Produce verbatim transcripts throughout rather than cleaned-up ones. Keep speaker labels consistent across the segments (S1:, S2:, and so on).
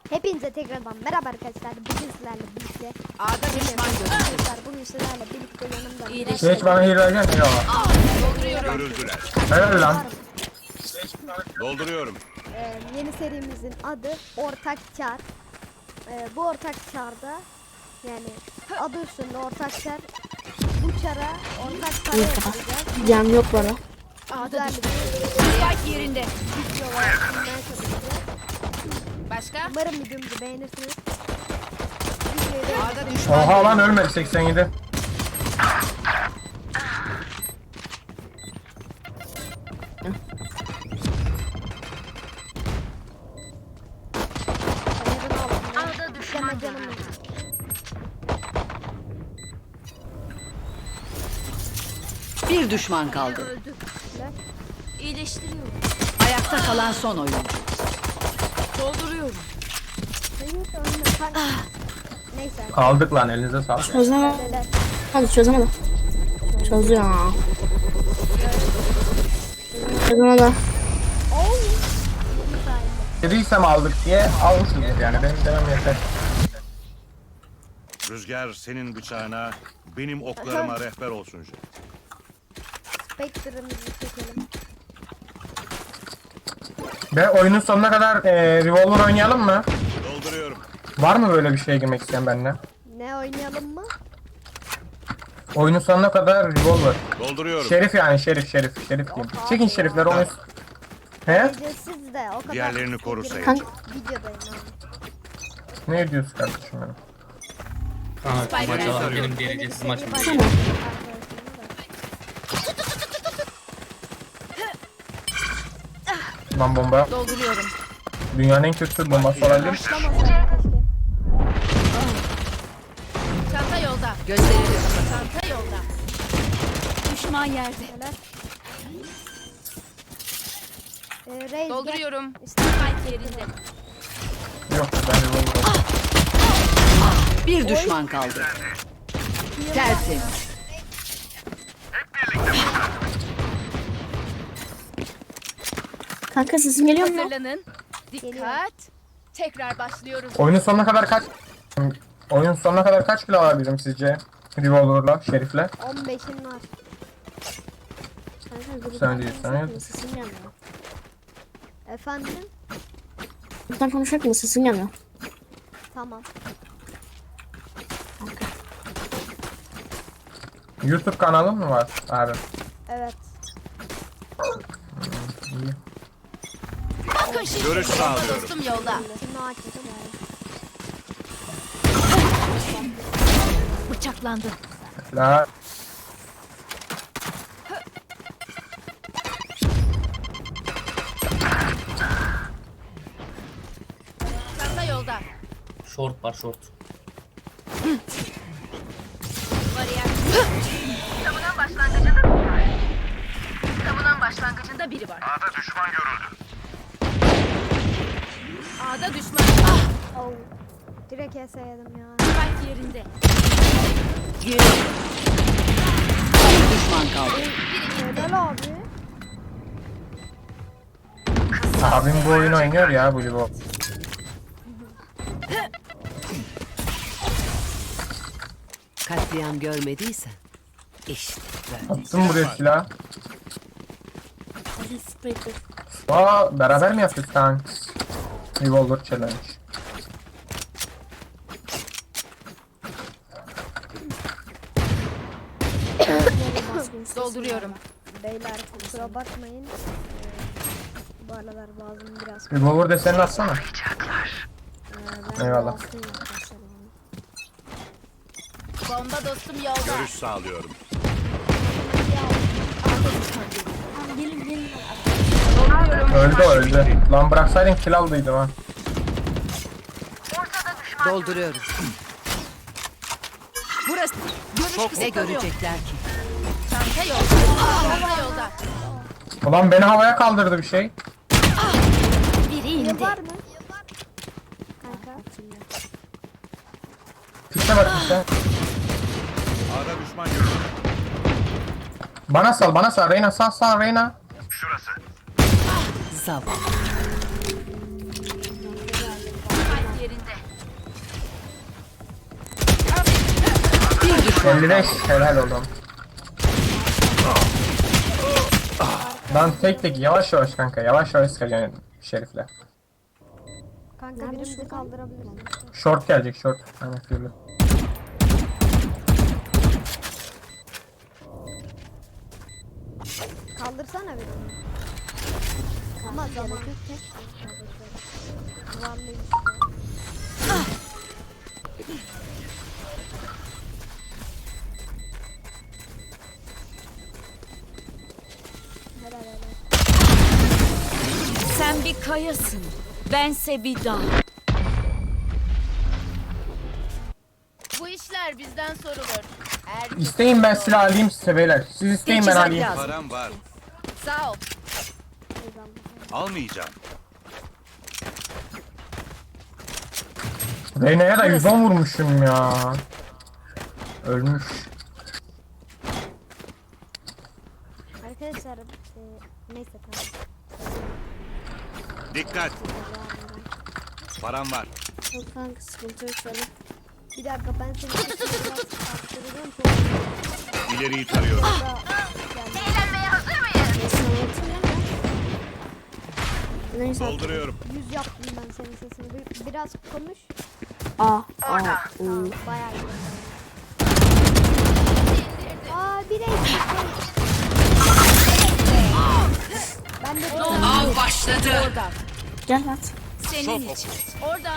S1: Hepinize tekrardan merhaba arkadaşlar. Bugün sizlerle birlikte
S2: A'da düşman
S1: arkadaşlar bugün sizlerle birlikte yanımda
S2: İyileşti.
S3: Hiç bana hile vereceksin ya.
S4: Görüldüler.
S3: Helal lan.
S4: Dolduruyorum.
S1: Ee, yeni serimizin adı Ortak Çar. Ee, bu Ortak Çar'da yani adı üstünde Ortak Çar. Bu çara Ortak Çar'ı yapacağız.
S5: Can yok bana.
S1: Güzel bir
S2: Spike yerinde.
S1: videolar sunmaya çalışacağız.
S2: Başka?
S1: Umarım videomuzu beğenirsiniz. Videoyu da
S2: A'da düşman.
S3: Oha lan ölmedi seksen yedi.
S1: ayarını alalım. Deme canım.
S2: Bir düşman kaldı.
S1: İyileştiriyorum.
S2: Ayakta kalan son oyuncu. Dolduruyorum.
S1: Hayır, ölme. Kanka. Neyse.
S3: Aldık lan elinize sağlık.
S5: Çözemem.
S1: Neler?
S5: Hadi çözemedim. Çözüyor. Çözemedi.
S1: Oo.
S3: Dediysem aldık diye almışsınız yani benim demem yeter.
S4: Rüzgar senin bıçağına, benim oklarıma rehber olsun.
S1: Spectre'ımızı çekelim.
S3: Ve oyunun sonuna kadar e, revolver oynayalım mı?
S4: Dolduruyorum.
S3: Var mı böyle bir şeye girmek isteyen benimle?
S1: Ne oynayalım mı?
S3: Oyunun sonuna kadar revolver.
S4: Dolduruyorum.
S3: Şerif yani şerif şerif şerif diyeyim. Çekin şerifleri oyun. He?
S1: Ücretsiz de o kadar.
S4: Diğerlerini koru
S1: girmek-
S5: Kanka.
S1: Videodayım abi.
S3: Ne diyorsun kardeşim benim?
S6: Kanka maç alalım benim
S1: Yeni
S6: diğer
S1: bir
S6: ücretsiz
S1: seri
S6: maç mı?
S1: başladı arkadaşlarım da.
S3: Lan bomba.
S2: Dolduruyorum.
S3: Dünyanın en kötü bombası olabilir.
S1: Başlamasaydı keşke.
S2: Çanta yolda. Gözlerini kapat. Çanta yolda. Düşman yerde.
S1: Neler? Ee, Reis
S2: Dolduruyorum.
S1: gel.
S2: Spike yerinde.
S3: Yok ben revolver.
S2: Bir düşman kaldı. Tertemiz.
S5: Kanka sesin geliyor mu?
S2: Hazırlanın.
S1: Geliyor.
S2: Dikkat. Tekrar başlıyoruz.
S3: Oyunun sonuna kadar kaç... Oyunun sonuna kadar kaç kilo alabilirim sizce? Revolver'la, şerifle.
S1: on beşin var.
S5: Kanka
S3: Sen değil, sen
S5: konuşacak
S3: değil.
S5: mı? Sesin gelmiyor.
S1: Efendim?
S5: Buradan konuşacak mı? Sesin gelmiyor.
S1: Tamam.
S3: YouTube kanalın mı var abi?
S1: Evet.
S3: İyi.
S2: Bakın şimdi.
S4: Görüş sağlıyorum.
S2: Dostum yolda.
S1: Şunu açtım.
S2: Bıçaklandı.
S3: La
S2: Çanta yolda.
S6: Short var short.
S2: Bariyer. Savunan başlangıcında Savunan başlangıcında biri var.
S4: A'da düşman görüldü.
S2: A'da düşman. Ah!
S1: Oh. Direkt S yedim ya.
S2: Spike yerinde. Geri. Bir düşman kaldı.
S1: Helal abi.
S3: abim bu oyunu oynuyor ya bu Livo.
S2: Katliam görmediysen işte böyle.
S3: Attım buraya silah.
S5: Hadi Spectre.
S3: Aa beraber mi yaptık sen? Revolver challenge.
S2: Dolduruyorum.
S1: Beyler kusura bakmayın. Ee, bu aralar boğazım biraz.
S3: Revolver desenini atsana.
S1: Ee, ben
S3: Eyvallah.
S1: boğazlıyım arkadaşlar yani.
S2: Bomba dostum yolda.
S4: Görüş sağlıyorum.
S5: Gelin gelin.
S3: Öldü o, öldü. Lan bıraksaydın kill aldıydım ha.
S2: Dolduruyorum. Burası. Görüş ne görecekler ki? Çanta yolda. Çanta yolda.
S3: Ulan beni havaya kaldırdı bir şey.
S2: Biri
S1: Yıl var mı? Kanka.
S3: Piste bak piste.
S4: A'da düşman görüldü.
S3: Bana sal bana sal Reyna sal sal Reyna.
S4: Şurası.
S2: Zavallı. yerinde.
S7: Bir düşman
S3: elli beş helal oğlum. Lan tek tek yavaş yavaş kanka yavaş yavaş sıkacaksın Şerif'le.
S1: Kanka
S5: Nerede
S1: birimizi
S5: şu?
S1: kaldırabiliriz.
S3: Short gelecek short. Aynen Fury.
S1: Kaldırsana birini. Ama zaman yok tek. Duvarlıyız. Helal helal.
S2: Sen bir kayasın. Bense bir dağ.
S8: Bu işler bizden sorulur. Er
S3: İsteyin ben silah alayım size beyler. Siz isteyin ben
S7: Teçhizat
S3: alayım.
S7: lazım.
S4: Param var.
S8: sağ ol.
S4: Almayacağım.
S3: Reyna'ya da yüz on vurmuşum ya. Ölmüş.
S1: Arkadaşlar e, neyse tamam.
S4: Dikkat. Param var.
S5: Yok kanka sıkıntı yok şöyle.
S1: Bir dakika ben seni sesini biraz arttıracağım. Çok
S4: İleriyi tarıyorum.
S1: da geldi.
S5: Neyse anlatayım değil mi? Neyse.
S4: Dolduruyorum.
S1: Yüz yaptım ben senin sesini. Bir- Biraz konuş.
S5: Aa, aa, uu.
S1: Bayağı iyi. Aa bir eksik. Ben de bir
S7: Av başladı.
S2: Orada.
S5: Gel at.
S2: Senin için.
S8: Orada.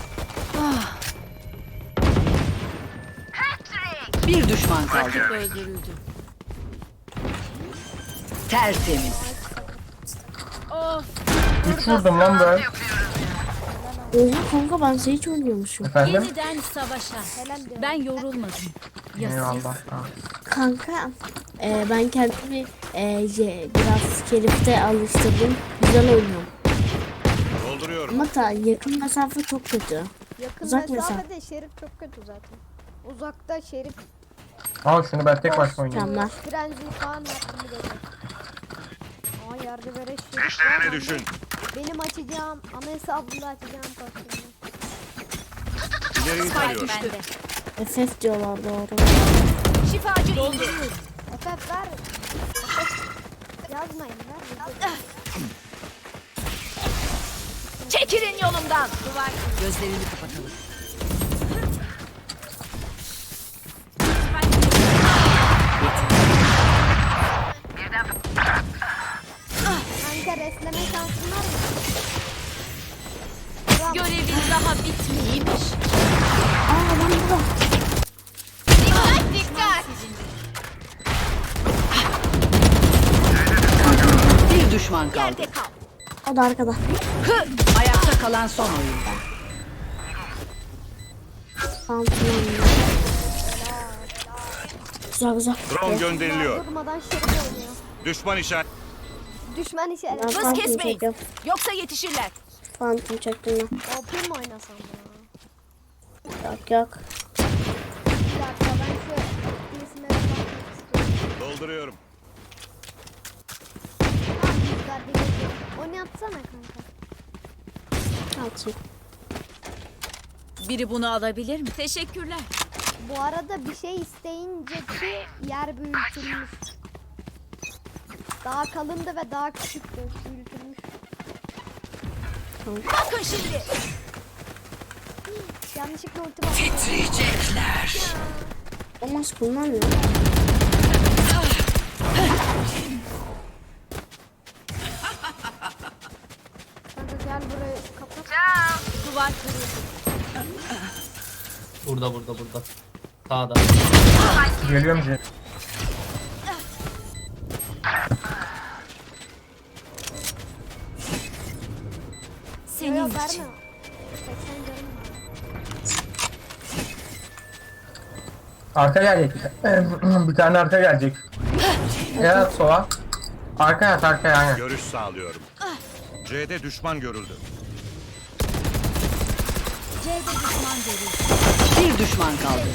S7: Bir düşman kaldı.
S2: Öldürüldü.
S7: Tertemiz.
S8: Of.
S3: üç vurdum lan ben.
S5: Oha kanka ben seni hiç oynuyormuşum.
S3: Efendim?
S2: Yeniden savaşa.
S1: Helal diyorum.
S2: Ben yorulmadım. Ya siz?
S3: Eyvallah. Ha.
S5: Kanka e, ben kendimi e, ye- biraz Şerif'te alıştırdım. Güzel oynuyorum.
S4: Dolduruyorum.
S5: Ama ta yakın mesafe çok kötü.
S1: Yakın
S5: Uzak
S1: mesafede Şerif çok kötü zaten. Uzakta Şerif
S3: Al şunu ben tek başıma oynayayım.
S5: Tamam.
S1: frenzi falan yaptım bir de. Aa yerde böyle Şerif
S4: Düşlerine
S1: var.
S4: düşün.
S1: Benim açacağım ana hesabımda açacağım kostümü.
S4: İleriyi tarıyorum.
S2: Bende.
S5: F F diyorlar doğru.
S2: Şifacı indi.
S1: F F ver. F F yazmayın ver.
S2: Çekilin yolumdan. Duvar.
S7: Gözlerini kapatalım.
S1: Kanka restleme şansın var mı? Tamam.
S2: Görevin daha bitmeymiş.
S5: Aa lan burada.
S8: Dikkat dikkat.
S7: Bir düşman kaldı.
S2: Yerde kal.
S5: O da arkada.
S7: Ayakta kalan son oyuncu.
S5: Pantolon. Güzel güzel.
S4: Drone gönderiliyor.
S1: Durmadan Şerif oynuyor.
S4: Düşman işaret.
S1: Düşman işaret.
S5: Ben
S2: Hız
S5: phantom
S2: kesmeyin.
S5: çekiyorum.
S2: Yoksa yetişirler.
S5: Phantom çektim ben.
S1: O pil mi oynasam ya?
S5: Yok yok.
S1: Bir dakika ben şu isimleri bakmak istiyorum.
S4: Dolduruyorum.
S1: Tamam yüzler bir geçiyor. Onu yapsana kanka.
S5: Atayım.
S2: Biri bunu alabilir mi? Teşekkürler.
S1: Bu arada bir şey isteyince ki yer büyütülmüş. Daha kalındı ve daha küçüktü. Büyütülmüş.
S2: Bakın şimdi.
S1: Yanlışlıkla ulti bastım.
S7: Titriyecekler.
S5: Olmaz kullanmıyor.
S1: Kanka gel burayı kapat.
S2: Duvar kırıldı.
S6: Burada burada burada. Sağda.
S3: Geliyorum Jet.
S1: Yok
S2: Senin
S1: yok
S2: için.
S1: verme. seksen canım var.
S3: Arka gelecek. Bir tane arka gelecek. Ya sola. Arka yat arka yani.
S4: Görüş sağlıyorum. C'de düşman görüldü.
S2: C'de düşman görüldü.
S7: Bir düşman kaldı.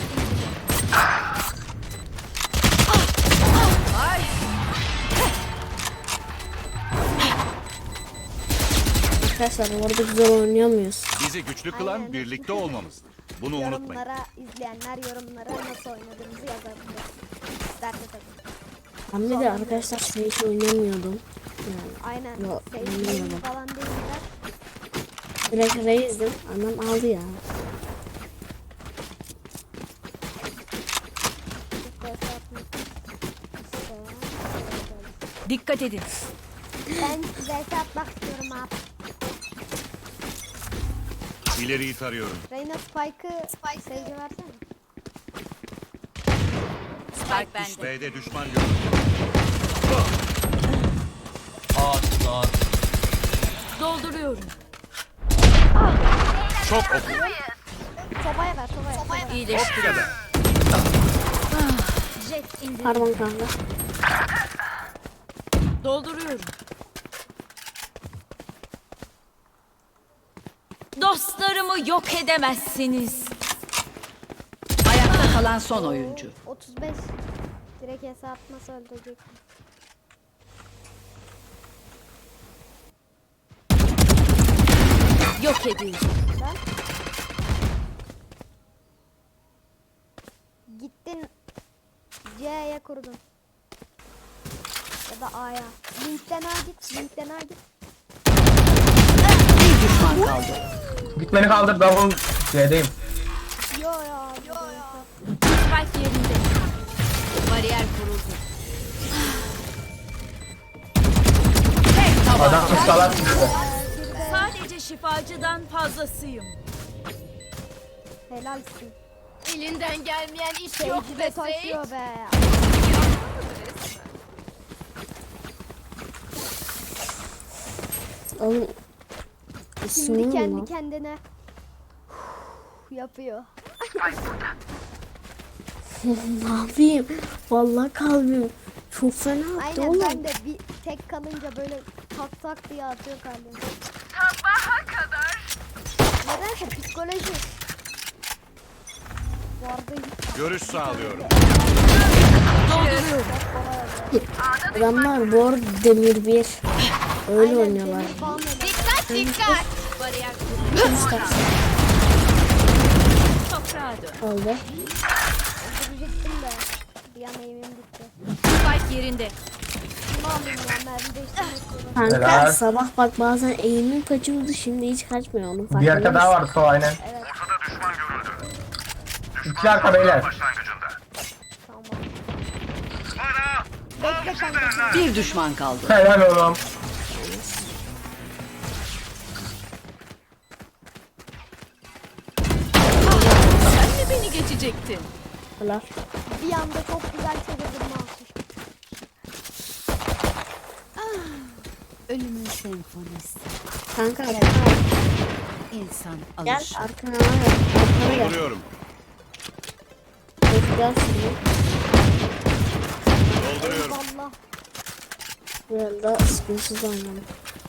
S5: arkadaşlar bu arada güzel oynuyor muyuz?
S4: Bizi güçlü kılan
S1: Aynen.
S4: birlikte olmamızdır. Bunu unutmayın.
S1: Yorumlara izleyenler yorumlara nasıl oynadığımızı yazabilir. İsterse tabii.
S5: Ben bir de arkadaşlar şey hiç oynamıyordum. Yani
S1: Aynen.
S5: Yok,
S1: Sevdiğim
S5: bilmiyorum.
S1: falan değiller.
S5: direkt reizdim. Annem aldı ya.
S2: Dikkat edin.
S1: Ben size atmak istiyorum abi.
S4: İleriyi tarıyorum.
S1: Reyna Spike'ı Spike sevgi versene.
S2: Spike bende.
S4: B'de düşman görüldü.
S6: Ağaç ağaç.
S2: Dolduruyorum.
S4: Çok oku.
S1: Sobaya ver sobaya. sobaya.
S2: İyileştir.
S4: Kadar.
S2: Jet indi.
S5: Pardon kanka.
S2: Dolduruyorum. Dostlarımı yok edemezsiniz.
S7: Ayakta kalan son oyuncu.
S1: otuz beş. Direkt hesap atması öldürecek.
S2: Yok edin.
S1: Ben. Gittin C'ye kurdun. Ya da A'ya. Linkten A git. Linkten A git.
S7: Bir düşman kaldı.
S3: Git beni kaldır, double C'deyim.
S1: Yo ya. Yo ya.
S2: Spike yerinde. Bariyer kuruldu.
S3: Adam salak çıktı.
S2: Sadece şifacıdan fazlasıyım.
S1: Helalsin.
S8: Elinden gelmeyen iş yok
S1: Sevgi
S8: be
S1: de
S8: Sage.
S1: taşıyor be.
S5: Oğlum.
S1: Şimdi
S5: İsmim
S1: kendi
S5: mi?
S1: kendine yapıyor.
S5: Ne yapayım? Vallahi kalbim çok fena attı
S1: Aynen
S5: oğlum.
S1: ben de bir tek kalınca böyle tak tak diye atıyor kalbim. Nedense psikoloji. Bu arada hiç
S4: Görüş sağlıyorum.
S5: Adamlar bu arada demir bir. Öyle oynuyorlar.
S1: demir falan öyle.
S8: Dikkat dikkat.
S2: Bariyer kuruldu.
S5: Üst kat
S2: Toprağa dön.
S5: oldu.
S1: Öldürecektim de bir an eğimim gitti.
S2: Spike yerinde.
S1: Ne alayım ya mermi değiştirmek istiyorum.
S5: Kanka
S3: Helal.
S5: sabah bak bazen eğimim kaçıyordu şimdi hiç kaçmıyor onun
S3: Bir
S5: farkında
S3: arka daha
S5: mısın?
S3: var sol aynen.
S1: Evet
S3: İki arka beyler.
S1: tamam. Bekle kanka.
S7: Bir düşman kaldı.
S3: Helal oğlum.
S2: Sen mi beni geçecektin?
S5: Helal.
S1: Bir anda çok güzel çevirdim mouse'u.
S7: Ölümün senfonisi.
S5: Kanka
S7: İnsan
S5: gel
S7: alışır.
S5: arkana gel. Arkana gel.
S4: Dolduruyorum.
S5: Gel şimdi.
S4: Dolduruyorum.
S1: Valla.
S5: Biraz da sıkıntısız oynayalım.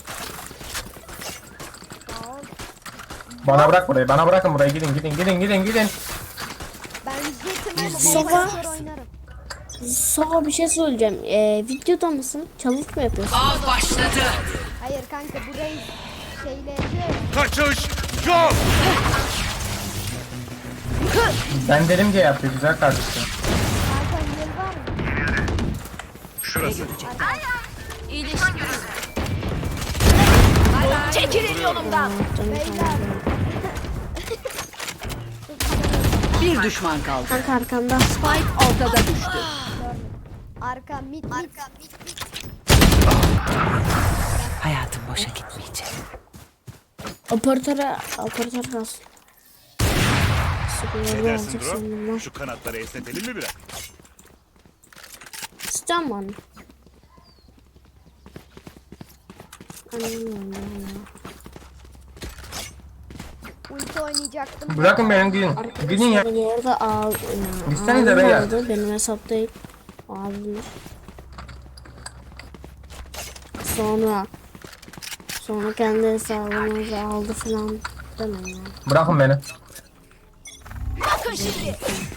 S1: Sağ ol.
S3: Bana bırak burayı, bana bırakın burayı. Gidin gidin gidin gidin gidin.
S1: Ben jetim ama
S5: Sabah-
S1: bombayı oynarım.
S5: Sana bir şey söyleyeceğim. Ee, videoda mısın? Challenge mı yapıyorsun?
S7: Av başladı.
S1: Hayır kanka burayı şeyle yapıyor ya.
S4: Kaçış yok.
S3: Ben dedim diye yaptı güzel kardeşim.
S1: Kanka yıl var mı?
S4: Şurası.
S2: İyileştir. Çekilin yolumdan.
S5: Canım
S1: Beyler.
S5: kanka.
S7: Bir düşman kaldı.
S5: Kanka arkanda.
S7: Spike ortada düştü.
S1: Arka mid mid. Arka mid.
S7: Hayatım boşa gitmeyecek.
S5: Operatöre, operatör kalsın.
S4: Ne
S5: Sıkıntı
S4: dersin
S5: olacak
S4: Dro?
S5: şimdi.
S4: Şu kanatları esnetelim mi biraz?
S5: İstiyor musun anne? Annem ya.
S1: Ulti oynayacaktım.
S3: Bırakın beni gidin. Gidin ya.
S5: Arkadaşlar bu arada ağ,
S3: Gitsenize
S5: ağabeyim
S3: beyler.
S5: aldı. Benim hesap değil. Abim. Sonra sonra kendi hesabımızı aldı falan demem ya.
S3: Bırakın beni.
S2: Bakın şimdi.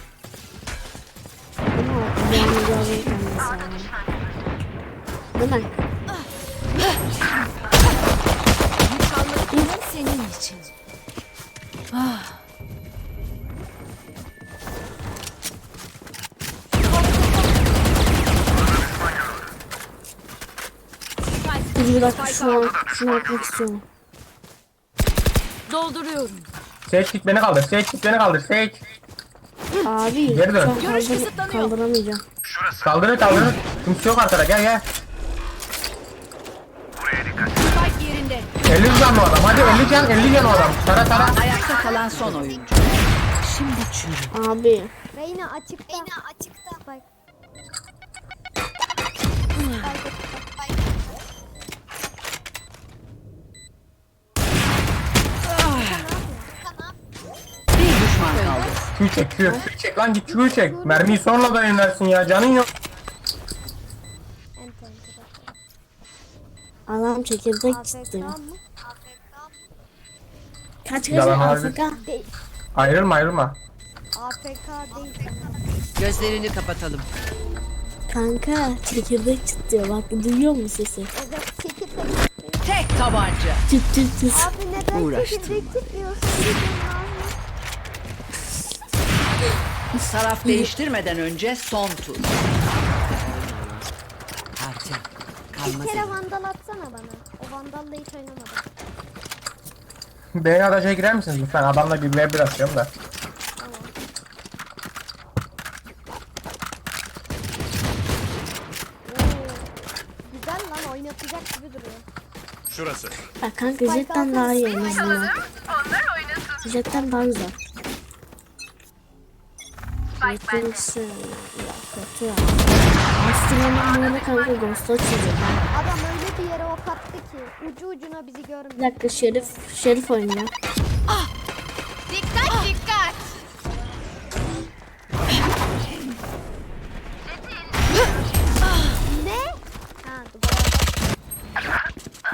S5: Ama benim yazım kendi hesabım. Değil mi?
S2: Senin için.
S5: Dur bir dakika şunu, şunu atmak istiyorum.
S2: Dolduruyorum.
S3: Sage git beni kaldır. Sage git beni kaldır. Sage.
S5: Abi
S3: Geri dön.
S5: şu an
S2: Görüş
S5: kaldır,
S2: kısıtlanıyor.
S5: kaldıramayacağım.
S3: Kaldırın kaldırın. Kimse yok arkada. Gel gel.
S2: Spike yerinde.
S3: elli can o adam. Hadi elli can. elli can o adam. Tara tara.
S7: Ayakta kalan son oyuncu. Şimdi çürü.
S5: Abi
S1: Reyna açıkta. Reyna açıkta. Bak.
S7: Bir düşman kaldı.
S3: Q çek Q. Q çek lan git Q çek. Mermiyi sonradan inersin ya. Canın yok.
S1: Enter enter.
S5: adam çekirdek
S1: A F
S5: çıktı.
S1: K mı?
S5: Kaç kaç
S3: Yalan abi.
S5: Afrika?
S1: Değil.
S3: Ayrılma ayrılma.
S1: A F K değil.
S7: Gözlerini kapatalım.
S5: Kanka çekirdek çıktı. Bak duyuyor musun sesi?
S1: Evet çekirdek.
S7: Tek tabanca.
S5: Çıt çıt çıt.
S1: Abi neden
S7: Uğraştım.
S1: çekirdek çıkmıyorsun?
S7: Taraf değiştirmeden önce son tur. Harca.
S1: Bir
S7: Kalmaz.
S1: kere vandal atsana bana. O vandalla hiç oynamadım.
S3: Beni araca girer misiniz lütfen? Adamla bir ve bir atıyorum da.
S1: Tamam. Oo. Güzel lan oynatacak gibi duruyor.
S4: Şurası.
S5: Bak kanka jetten daha iyi en azından. Jetten daha güzel. Jetten ise ya kötü ya. Astronom böyle kanka ghost açıyor.
S1: Adam öyle bir yere ok attı ki ucu ucuna bizi
S5: Bir
S1: görmüyor.
S5: dakika Şerif, Şerif oynuyor.
S8: Dikkat dikkat.
S1: Ne? Ha duvara.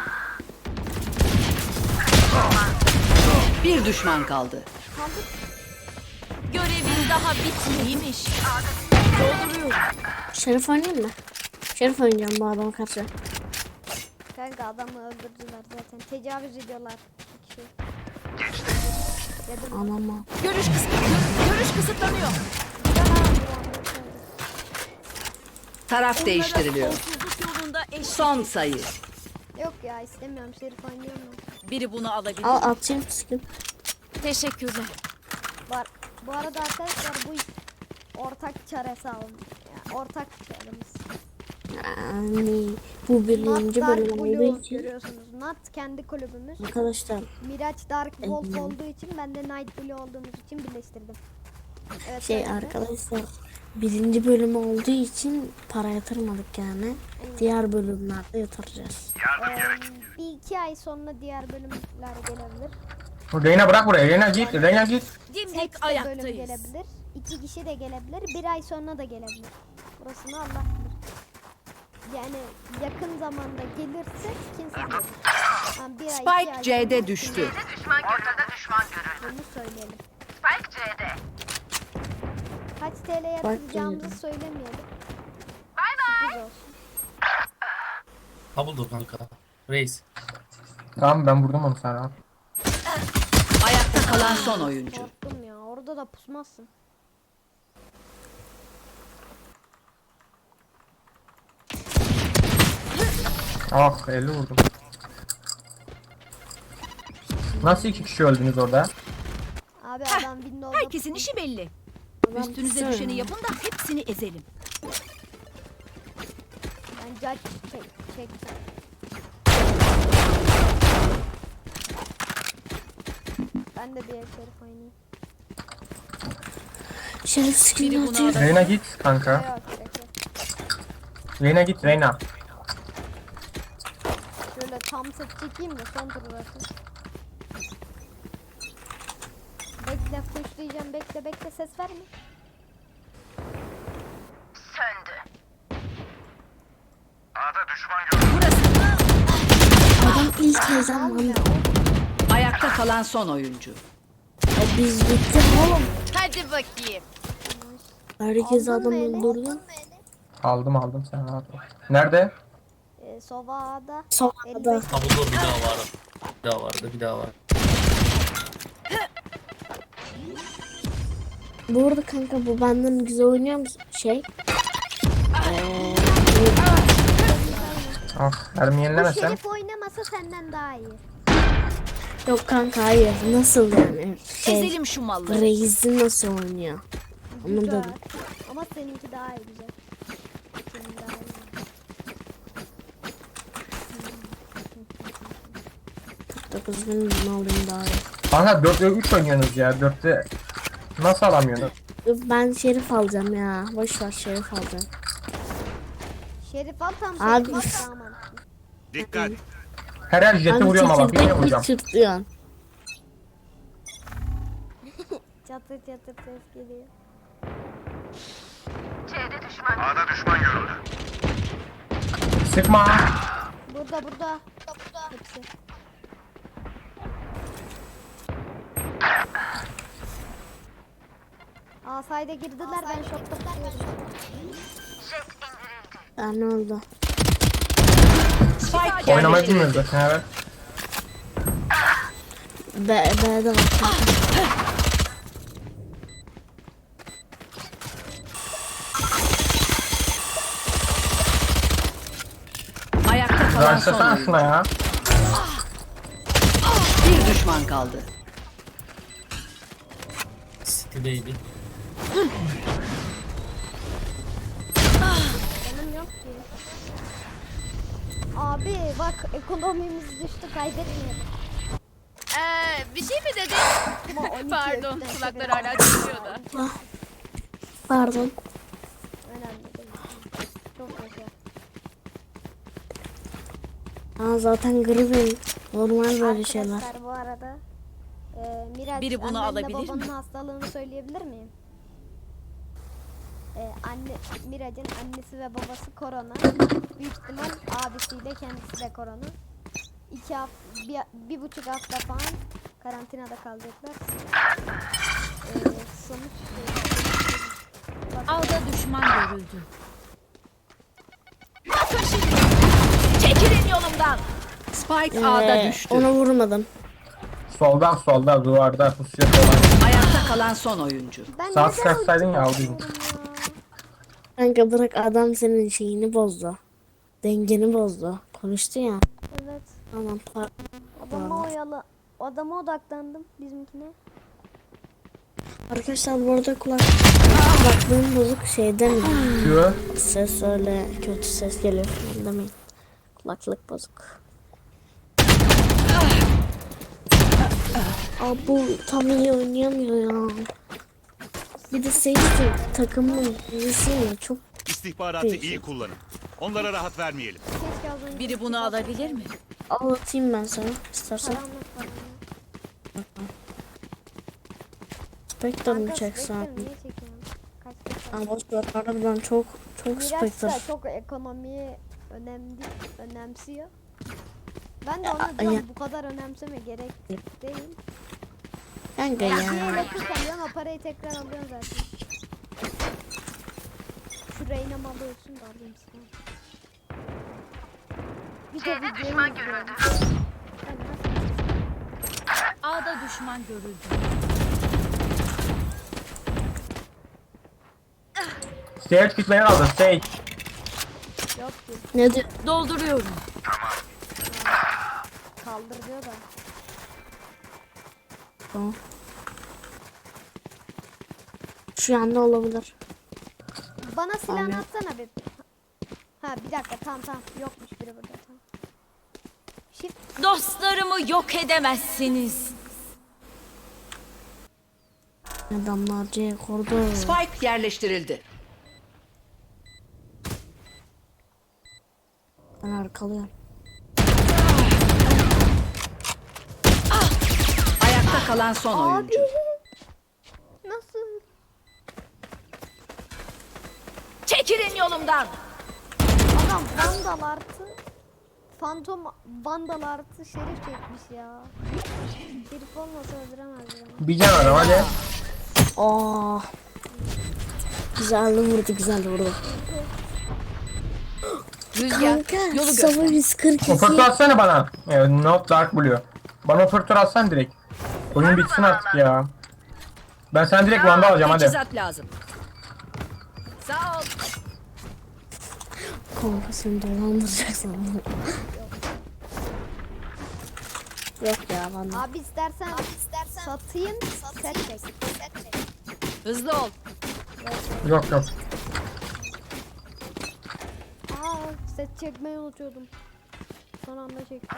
S7: Bir düşman kaldı.
S1: Kaldık.
S2: Görevin daha bitmeymiş. Dolduruyorum.
S5: Şerif oynayayım mı? Şerif oynayacağım bu adama karşı.
S1: Kanka adamı öldürdüler zaten. Tecavüz ediyorlar. İki kişi. Dedim.
S5: Anama.
S2: Görüş kısıtlanıyor. Görüş kısıtlanıyor.
S7: Taraf değiştiriliyor.
S2: Sonsuzluk yolunda eş.
S7: Son sayı.
S1: Yok ya istemiyorum. Şerif oynuyorum ben.
S2: Biri bunu alabilir.
S5: Al atayım sıkın.
S2: Teşekkürler.
S1: Var. Bu arada arkadaşlar bu ortak çare hesabım. Yani ortak çaremiz.
S5: Yani bu
S1: Not
S5: birinci
S1: Dark
S5: bölüm
S1: Blue
S5: olduğu için
S1: görüyorsunuz. Not kendi kulübümüz.
S5: arkadaşlar
S1: Miraç Dark Wolf olduğu için ben de Night Blue olduğumuz için birleştirdim. Evet,
S5: şey
S1: öyle.
S5: arkadaşlar birinci bölüm olduğu için para yatırmadık yani. Diğer bölümlerde yatıracağız.
S1: Ee, bir iki ay sonra diğer bölümler gelebilir.
S3: Reyna bırak buraya. Reyna git. Reyna git.
S2: Dimdik
S1: Tek de bölüm
S2: ayaktayız.
S1: gelebilir. İki kişi de gelebilir. Bir ay sonra da gelebilir. Burasını Allah bilir. Yani yakın zamanda gelirse kimse bilir. Yani bir ay, iki ay
S7: Spike C'de
S1: sonra
S7: düştü.
S1: Bunu söyleyelim. Spike C'de. Kaç T L yatıracağımızı
S5: C'de.
S1: söylemeyelim. Bay bay.
S6: Ha buldum kanka. Reis.
S3: Tamam ben vurdum onu sana.
S7: Ayakta kalan son oyuncu.
S1: Korktum ya. Orada da pusmazsın.
S3: Ah elli vurdum. Nasıl iki kişi öldünüz orada?
S1: Abi adam Windows'da
S2: Herkesin işi belli.
S5: Adam
S2: Üstünüze
S5: tutsana
S2: düşeni
S5: ya.
S2: yapın da hepsini ezelim.
S1: ben judge çek, çektim. Ben de bir şerif oynayayım.
S5: Şerif
S2: Biri
S5: skin
S2: bunu
S5: atıyor.
S2: alır.
S3: Reyna git kanka.
S1: Yok bekle.
S3: Reyna git Reyna.
S1: Şöyle tam set çekeyim de son tur burası. Bekle pushlayacağım bekle bekle ses verme.
S5: Adam ilk ezan bandı.
S7: Ayakta kalan son oyuncu.
S5: Ya biz bittik oğlum.
S8: Hadi bakayım.
S5: Herkes
S1: Aldın
S5: adam
S1: mı eli?
S5: öldürdü.
S3: Aldım aldım sen rahat ol. Nerede?
S1: Ee, Sova'da
S5: Sova'da.
S1: elli beş
S6: Ha buldum bir daha var. Bir daha vardı bir daha var.
S5: Bu arada kanka bu benden güzel oynuyor musun? Şey. Eee
S3: Ah, mermi
S1: Bu
S3: yenilemesem.
S1: Şerif oynamasa senden daha iyi.
S5: yok kanka hayır. Nasıl yani? Şey.
S2: Ezelim şu malları.
S5: Reis'i nasıl oynuyor? Onu
S1: Güzel.
S5: da
S1: Ama seninki daha iyi güzel. Senin daha iyi.
S5: dokuz bin bunu alayım daha iyi.
S3: Kanka dörtte üç oynuyorsunuz ya. dörtte nasıl alamıyorsunuz?
S5: Ben Şerif alacağım ya. Boş ver Şerif alacağım.
S1: Şerif al tam
S5: Abi.
S1: Şerif al daha mantıklı.
S4: Dikkat.
S3: Her her jeti
S5: Abi
S3: vuruyorum ama birini
S5: çekirdek
S3: vuracağım.
S5: mi çırtlıyorsun?
S1: Çatır çatır ses geliyor.
S3: Sıkma.
S1: Burada burada. Burada. Hepsi. Aa sayda girdiler ben şokta tutuyorum.
S5: Ya ne oldu?
S2: Spike
S3: Oynamayı
S2: yerleştirildi.
S3: bilmiyoruz zaten evet.
S5: B, B'de var.
S2: Ayakta kalan son
S3: Başlasana
S2: oyuncu.
S3: şuna ya.
S7: Bir düşman kaldı.
S6: City'deydi.
S1: Canım yok ki. Abi bak ekonomimiz düştü kaybetmeyelim.
S8: Ee, bir şey mi dedin?
S1: Ama on iki
S8: Pardon,
S1: öpten
S8: kulaklar
S1: severim.
S8: hala çıkıyor da.
S5: Pardon.
S1: Önemli değil. Çok güzel.
S5: Aa, zaten gribim. Normal böyle şeyler.
S1: Arkadaşlar bu arada e, Miraç
S2: Biri bunu
S1: annenle
S2: alabilir
S1: babanın
S2: mi?
S1: hastalığını söyleyebilir miyim? E, anne Miraç'ın annesi ve babası korona. Büyük ihtimal abisiyle kendisi de korona. İki hafta, bir, bir buçuk hafta falan karantinada kalacaklar. E, sonuç Bak,
S2: Alda düşman görüldü. Bakın şimdi. Çekilin yolumdan. Spike A'da
S5: Ee,
S2: düştü.
S5: ona vurmadım.
S3: Soldan solda duvarda pusuya falan.
S2: Ayakta kalan son oyuncu.
S1: ben
S3: Sağ
S1: neden
S3: sıkışsaydın ya,
S1: ulti
S3: aldın.
S1: basıyorum ya?
S5: Kanka bırak adam senin şeyini bozdu. Dengeni bozdu. Konuştu ya.
S1: Evet.
S5: Tamam par-
S1: Adama oyalı. Adama odaklandım bizimkine.
S5: Arkadaşlar bu arada kulak kulaklığım bozuk şey demeyin.
S3: Şu.
S5: Ses öyle kötü ses geliyor falan demeyin. Kulaklık bozuk. Aa, bu tam iyi oynayamıyor ya. Bir de Sage takımın birisi ya çok
S4: İstihbaratı iyi kullanın. Onlara rahat vermeyelim.
S1: Keşke az önce
S2: Biri bunu alabilir mi?
S5: anlatayım ben sana istersen.
S1: karanlık falan.
S5: Spectre mı
S1: Kanka,
S5: çeksen?
S1: Spectre niye çekiyorsun? Kaç kaç
S5: Aa, boş ver harbiden çok çok
S1: Miraç
S5: Spectre.
S1: da çok ekonomiyi önemli, önemsiyor. Ben de
S5: Ya,
S1: ona diyorum
S5: ya.
S1: bu kadar önemseme gerek değil.
S5: Kanka
S1: Yani
S5: ya.
S1: bir elektrik alıyorsun o parayı tekrar alıyorsun zaten. Şu Reyna malı olsun da alayım sana. Bir de videoyu izliyorum. Ben nasıl-
S2: A'da düşman görüldü.
S3: Stage gitmeyi aldı. Stage.
S1: Yok ki
S5: Ne diyor?
S2: Dolduruyorum.
S1: kaldırıyor da.
S5: Tamam. Şu anda olabilir.
S1: Bana silahını
S5: Tamam.
S1: atsana bir. Ha bir dakika tamam tamam yokmuş biri burada tamam. Shift
S2: Dostlarımı yok edemezsiniz.
S5: Adamlar C kurdu.
S7: Spike yerleştirildi.
S5: Ben arkalıyorum.
S7: Ayakta kalan son
S1: Abi.
S7: oyuncu.
S1: Nasıl?
S2: Çekilin yolumdan.
S1: Adam Vandal artı Phantom Vandal artı Şerif çekmiş ya. Şerif olmasa öldüremez beni.
S3: Bir can adam hadi.
S5: Aa. Güzel vurdu, güzel vurdu.
S2: Rüzgar
S5: Kanka,
S2: yolu
S5: Sava
S2: göster.
S5: yüz kırk iki.
S3: Operatör atsana bana. Evet, Not Dark Blue. Bana operatör atsan direkt. Oyun bitsin artık ya. Ben sen direkt Van'da alacağım hadi.
S2: Teçhizat lazım. Sağ ol.
S5: Kanka seni dolandıracak sandım. Yok ya bana.
S1: Abi istersen, abi istersen satayım, set çek.
S2: Hızlı ol.
S3: Yok yok.
S1: Aa, set çekmeyi unutuyordum. Son anda çektim.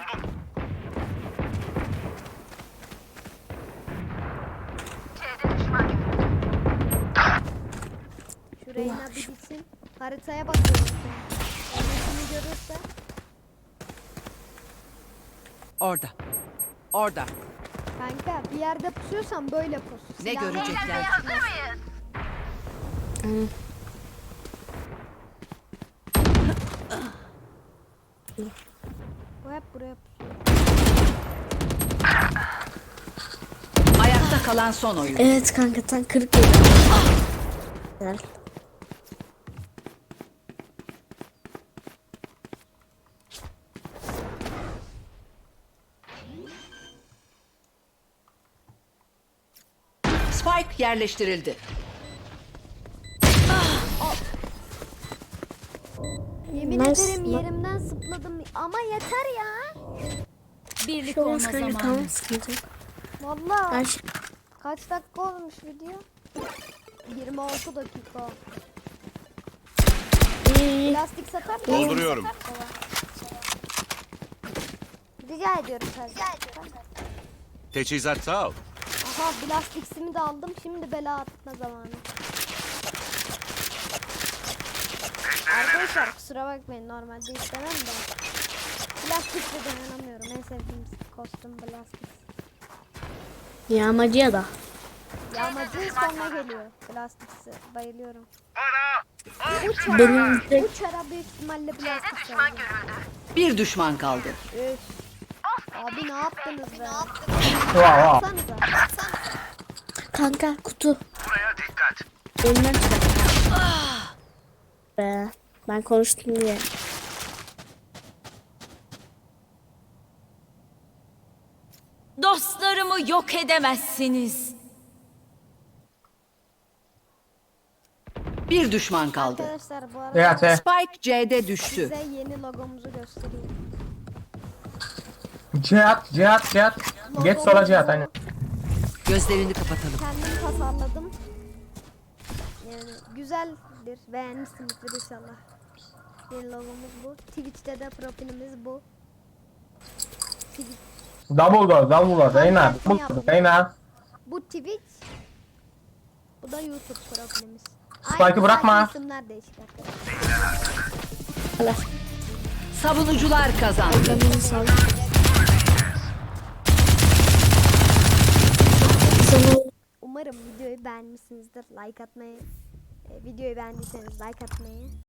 S1: Şu Reyna bir gitsin. Haritaya bakıyorum. Kendisini görürse.
S7: Orada. Orada.
S1: Kanka bir yerde pusuyorsan böyle pus.
S7: Ne
S1: Silahla
S7: görecekler?
S5: Hı.
S1: Bu hep buraya pusuyor.
S7: Ayakta kalan son oyun.
S5: Evet kanka tam kırık yedi. Güzel.
S7: Spike yerleştirildi.
S1: Yemin
S5: Nice.
S1: ederim yerimden zıpladım ama yeter ya.
S2: Birlik
S5: Çok
S2: olma
S5: az kanka
S2: zamanı.
S5: tamam sıkıntı yok.
S1: Vallahi
S5: Her şey.
S1: kaç dakika olmuş video? yirmi altı dakika.
S5: İyi iyi.
S1: Plastik satar mı?
S4: Dolduruyorum.
S1: Rica ediyorum sadece.
S4: Teçhizat sağ ol.
S1: Aha plastiksimi de aldım. Şimdi bela atma zamanı. Arkadaşlar kusura bakmayın, normalde istemem de. Plastikle dayanamıyorum. En sevdiğim kostüm plastik.
S5: Yağmacıya da.
S1: Yağmacı sonra geliyor. Plastiksi. Bayılıyorum.
S5: Benim de
S1: Uçara büyük ihtimalle plastik sevdim.
S7: Bir düşman kaldı.
S1: Üf. Abi ne yaptınız be?
S3: Wow, wow.
S1: Baksanıza.
S5: kanka kutu. Buraya dikkat. Önünden çık. Be. Ben konuştum diye.
S2: Dostlarımı yok edemezsiniz.
S7: Bir düşman kaldı.
S1: Arkadaşlar bu arada
S3: Ya te.
S7: Spike C'de düştü.
S1: size yeni logomuzu göstereyim.
S3: Cihat, Cihat, Cihat. Geç sola Cihat aynen.
S7: Gözlerini kapatalım.
S1: Kendim tasarladım. Yani güzeldir. Beğenmişsinizdir inşallah. Yeni logomuz bu. Twitch'te de profilimiz bu. Twitch.
S3: Double door, double door. Reyna, double door. Reyna.
S1: Bu Twitch. Bu da YouTube profilimiz.
S3: Spike'ı
S1: Aynı,
S3: bırakma.
S1: sadece isimler değişik arkadaşlar.
S5: Allah.
S7: Savunucular kazandı.
S5: Canını sağ Sana
S1: Umarım videoyu beğenmişsinizdir. Like atmayı, e, videoyu beğendiyseniz like atmayı